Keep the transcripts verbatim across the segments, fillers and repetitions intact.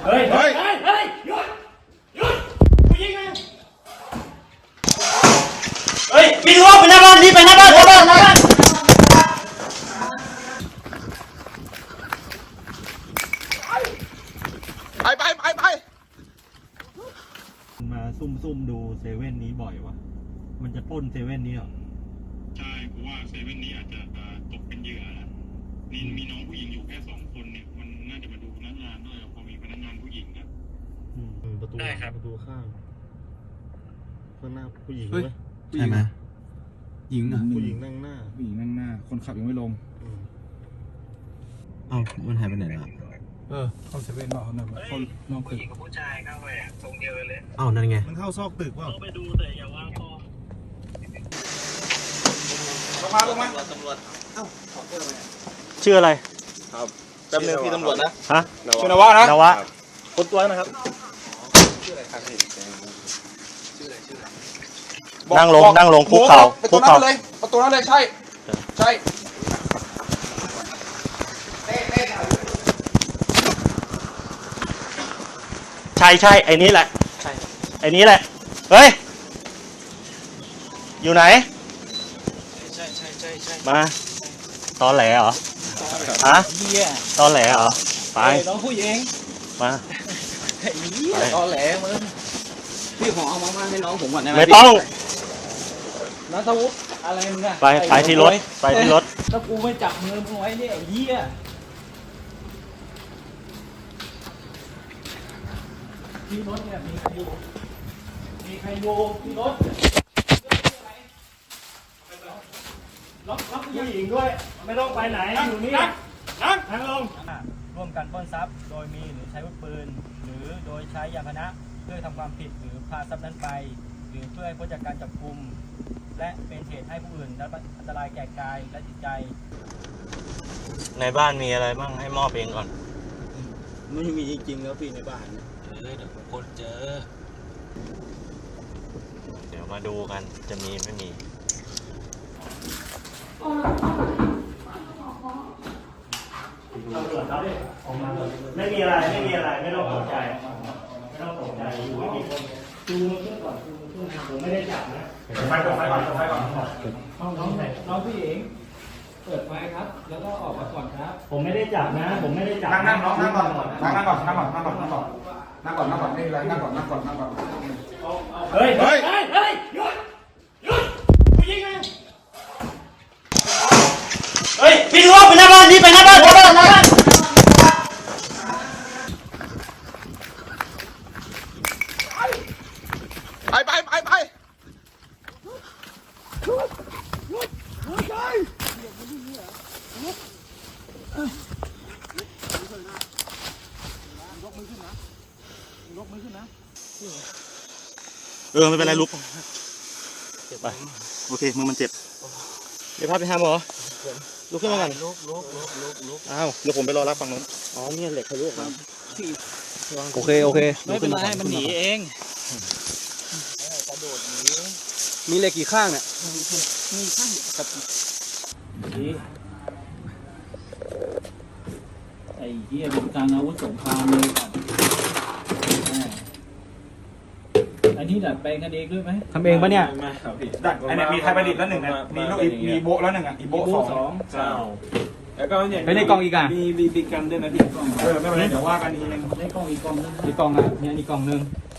เฮ้ยเฮ้ยเฮ้ยเฮ้ยหยุดหยุดกูยิงนะเฮ้ยวิ่งรอบไปหน้าบ้านรีบไปหน้าบ้านหน้าบ้านหน้าบ้านไปไปไปไปมาซุ่มซุ่มดูเซเว่นนี้บ่อยวะมันจะปล้นเซเว่นนี้เหรอใช่กูว่าเซเว่นนี้อาจจะตกเป็นเหยื่อนะมีมีน้องผู้หญิงอยู่แค่สองคนเนี่ยมันน่าจะมาดูพนักงานด้วยพอมีพนักงานผู้หญิงนะประตูประตูข้างข้างหน้าผู้หญิงไหมใช่ไหมหญิงอ่ะผู้หญิงนั่งหน้าผู้หญิงนั่งหน้าคนขับยังไม่ลงเอ้ามันหายไปไหนล่ะเออเข้าเซเว่นบอกเขาหน่อยคนนอกตึกผู้หญิงกับผู้ชายเข้าไปตรงเดียวเลยเอ้านั่นไงมันเข้าซอกตึกว่าไปดูแต่อย่าวางคอลงมาลงมาตำรวจเอ้าขอเจอไหมชื่ออะไรครับแป๊บนึงพี่ตำรวจนะฮะชื่อนวะนะนวะคนตัวนะครับชื่ออะไรครับพี่ชื่ออะไรชื่ออะไรนั่งลงนั่งลงคุกเข่าคุกเข่าเลยประตูนั้นเลยใช่ใช่ใช่ใช่ไอ้นี้แหละไอ้นี้แหละเฮ้ยอยู่ไหนใช่ใช่ใช่ใช่มาตอนแหลเหรอฮะตอนแหลเหรอไปน้องผู้หญิงมาไอ้เหี้ยตอนแหลมึงพี่ขอเอามาให้น้องผมก่อนได้ไหมไม่ต้องนัทวุฒิอะไรมึงอะไปไปที่รถไปที่รถถ้ากูไม่จับมือมึงไว้เนี่ยไอ้เหี้ยที่รถเนี่ยมีใครอยู่มีใครอยู่ที่รถล็อกล็อกผู้หญิงด้วยไม่ต้องไปไหนอยู่นี่นั่งลงร่วมกันปล้นทรัพย์โดยมีหรือใช้อาวุธปืนหรือโดยใช้ยานพาหนะเพื่อทำความผิดหรือพาทรัพย์นั้นไปหรือเพื่อให้พ้นจากการจับกุมและเป็นเหตุให้ผู้อื่นได้รับอันตรายแก่กายและจิตใจในบ้านมีอะไรบ้างให้มอบเองก่อนไม่มีจริงๆแล้วพี่ในบ้านเออเดี๋ยวคนเจอเดี๋ยวมาดูกันจะมีไม่มีไม่มีอะไรไม่มีอะไรไม่ต้องตกใจไม่ต้องตกใจอยู่ไม่มีคนดูมือขึ้นก่อนดูมือขึ้นผมไม่ได้จับนะไฟก่อนไฟก่อนไฟก่อนน้องน้องน้องพี่เองเปิดไฟครับแล้วก็ออกมาก่อนครับผมไม่ได้จับนะผมไม่ได้จับนั่งนั่งน้องนั่งก่อนนั่งนั่งก่อนนั่งก่อนนั่งก่อนนั่งก่อนนั่งก่อนนั่งก่อนไม่เป็นไรนั่งก่อนนั่งก่อนนั่งก่อนเฮ้ยเฮ้ยเฮ้ยเฮ้ยหยุดหยุดกูยิงนะเฮ้ยวิ่งรอบไปหน้าบ้านรีบไปหน้าบ้านหน้าบ้านหน้าบ้านไปไปไปไปเออไม่เป็นไรลุกไปโอเคมือมันเจ็บเดี๋ยวพาไปหาหมอลุกขึ้นมาก่อนลุกลุกลุกลุกลุกอ้าวเดี๋ยวผมไปรอรับฝั่งนู้นอ๋อเนี่ยเหล็กทะลุครับโอเคโอเคไม่เป็นไรมันหนีเองกระโดดหนีมีเหล็กกี่ข้างเนี่ยมีข้างกับดีไอ้เหี้ยเป็นการอาวุธสงครามเลยครับอันนี้ดัดแปลงกันเองด้วยไหมทำเองปะเนี่ยดัดอันนี้มีไทยประดิษฐ์แล้วหนึ่งนะมีลูกมีโบแล้วหนึ่งอ่ะอีโบสองเจ้าแล้วก็เนี่ยไปในกล่องอีกอ่ะมีบีบีกันด้วยนะพี่เออไม่เป็นไรเดี๋ยวว่ากันอีกนึงในกล่องอีกกล่องนึงอีกกล่องอ่ะเนี่ยอีกกล่องนึง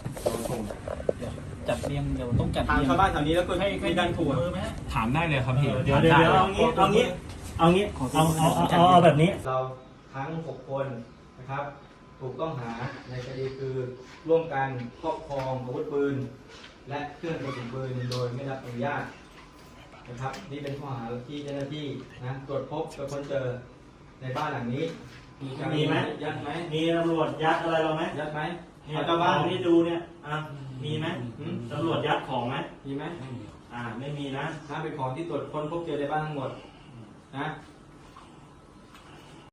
จัดเรียงเดี๋ยวต้องจัดทางชาวบ้านแถวนี้แล้วก็ให้ให้ดันถูกถามได้เลยครับพี่เดี๋ยวเดี๋ยวเอางี้เอางี้เอางี้เอาเอาเอาเอาแบบนี้เราทั้งหกคนนะครับถูกต้องหาในคดีคือร่วมกันครอบครองอาวุธปืนและเครื่องกระสุนปืนโดยไม่รับอนุญาตนะครับนี่เป็นข้อหาที่เจ้าหน้าที่นะตรวจพบกับคนเจอในบ้านหลังนี้มีไหมยัดไหมมีตำรวจยัดอะไรเราไหมยัดไหมเอาเจ้าบ้านที่ดูเนี่ยอ่ะมีไหมตำรวจยัดของไหมมีไหมอ่าไม่มีนะถ้าเป็นของที่ตรวจค้นพบเจอในบ้านทั้งหมดนะ